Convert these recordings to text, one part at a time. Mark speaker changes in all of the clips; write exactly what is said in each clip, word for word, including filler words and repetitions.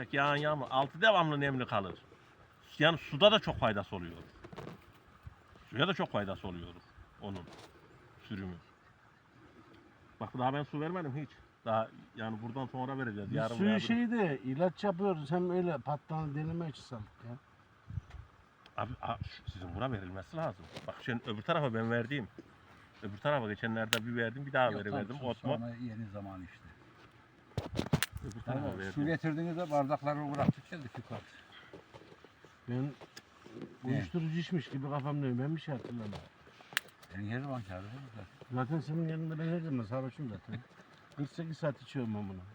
Speaker 1: Belki yağan yağmur. Altı devamlı nemli kalır. Yani suda da çok faydası oluyor. Suya da çok faydası oluyor onun sürümü. Bak daha ben su vermedim hiç. Daha yani buradan sonra vereceğiz.
Speaker 2: Biz
Speaker 1: Yarın
Speaker 2: suyu
Speaker 1: veya
Speaker 2: şeyde ilaç yapıyoruz. Hem öyle pattan deneme açısalım ya.
Speaker 1: Abi a- şu- sizin buna verilmesi lazım. Bak şimdi öbür tarafa ben verdiğim. Öbür tarafa geçenlerde bir verdim, bir daha
Speaker 3: Yok,
Speaker 1: veriverdim.
Speaker 3: tam
Speaker 1: Otma.
Speaker 3: sonra yeni zaman işte.
Speaker 1: Öbür tarafa
Speaker 3: Yani su
Speaker 1: verdim.
Speaker 3: getirdiğinizde bardakları bıraktık geldik yukarı.
Speaker 2: Ben uyuşturucu içmiş gibi kafam dönüyor. Ben bir şey hatırlamıyorum.
Speaker 3: Senin her zaman kârı burada.
Speaker 2: Zaten senin yanında ben her zaman sarhoşum zaten. kırk sekiz saat içiyorum ben bunu.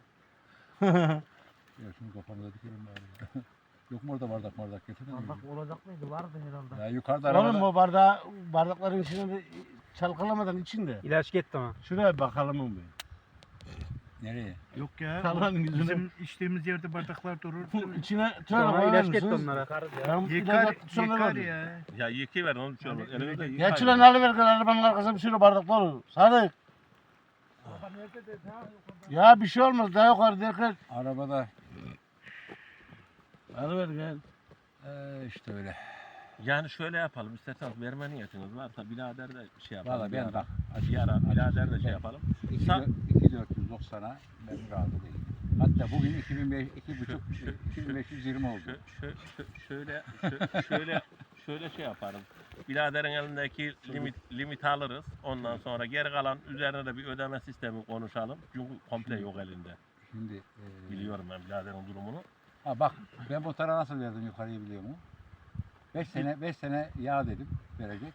Speaker 3: Ya şunu kafamda dikelim bari. Yok mu orada bardak bardak getirdin mi?
Speaker 2: Bardak olacak mıydı? Vardı herhalde.
Speaker 3: Ya yukarıda arabada.
Speaker 2: Oğlum o bardağı, bardakların içine de çalkalamadan içinde.
Speaker 4: İlaç gitti ama.
Speaker 2: Şuraya bakalım mı?
Speaker 3: Nereye?
Speaker 5: Yok ya.
Speaker 2: Kalan
Speaker 5: o
Speaker 2: yüzüne-
Speaker 5: Bizim içtiğimiz yerde bardaklar durur.
Speaker 2: İçine
Speaker 4: Sonra
Speaker 2: tövbe
Speaker 4: ilaç
Speaker 2: koyar
Speaker 4: gitti
Speaker 2: mısınız?
Speaker 4: onlara.
Speaker 2: Ben
Speaker 5: Yıkar,
Speaker 2: ilaç sonra
Speaker 5: yıkar
Speaker 2: verdim.
Speaker 5: ya.
Speaker 1: Ya yıkayı verin onu bir şey olmaz.
Speaker 5: Hani
Speaker 1: Elinizde
Speaker 5: öyle-
Speaker 1: yıkayın.
Speaker 2: Geçilen alıver gel arabanın arkasına bir sürü bardak dolu. Sadık. Ya bir şey olmaz daha yukarı derken.
Speaker 3: Arabada.
Speaker 2: Alıver gel.
Speaker 3: Ee, işte öyle.
Speaker 1: Yani şöyle yapalım. İsterseniz verme niyetiniz varsa birader de şey yapalım.
Speaker 3: Valla
Speaker 1: bir
Speaker 3: ben
Speaker 1: ara.
Speaker 3: bak.
Speaker 1: Bir ara birader de şey yapalım. Sa-
Speaker 3: iki dört yüz doksana ben razı değilim. Hatta bugün iki bin beş iki buçuk iki bin beş yüz yirmi oldu.
Speaker 1: Şö- şö- şö- şöyle şö- şöyle şöyle şey yaparım. Biraderin elindeki limit limit alırız. Ondan sonra geri kalan üzerine de bir ödeme sistemi konuşalım. Çünkü komple yok elinde.
Speaker 3: Şimdi e,
Speaker 1: Biliyorum ben biraderin durumunu.
Speaker 3: ha bak ben bu tarafa nasıl verdim yukarıyı biliyor musun? beş sene beş sene yağ dedim verecek.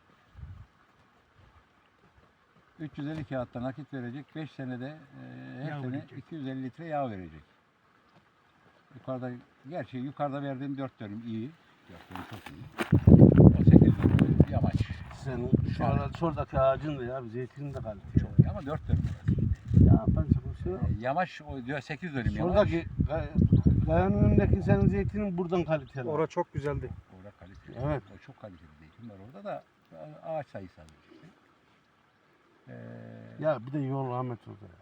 Speaker 3: üç yüz elli kağıtta nakit verecek. beş senede e, her
Speaker 5: Yağ
Speaker 3: sene
Speaker 5: verecek.
Speaker 3: iki yüz elli litre yağ verecek. Yukarıda gerçi yukarıda verdiğim dört dönüm iyi. dört dönüm çok iyi. O sekiz dönüm yamaç.
Speaker 2: Sen şu ara şuradaki ağacın da ya zeytinin de kaliteli.
Speaker 3: Çok iyi ama dört dönüm orası.
Speaker 2: Ya yaparsın bir şey yok.
Speaker 3: E, yamaç o diyor sekiz dönüm yamaç.
Speaker 2: Şuradaki gay- kayanın önündeki senin zeytinin buradan kaliteli.
Speaker 4: Orada çok güzeldi.
Speaker 3: Orada kaliteli.
Speaker 2: Evet.
Speaker 3: O çok kaliteli zeytin var orada da ağaç sayısı az. Ee,
Speaker 2: Ya bir de yol Ahmet orada.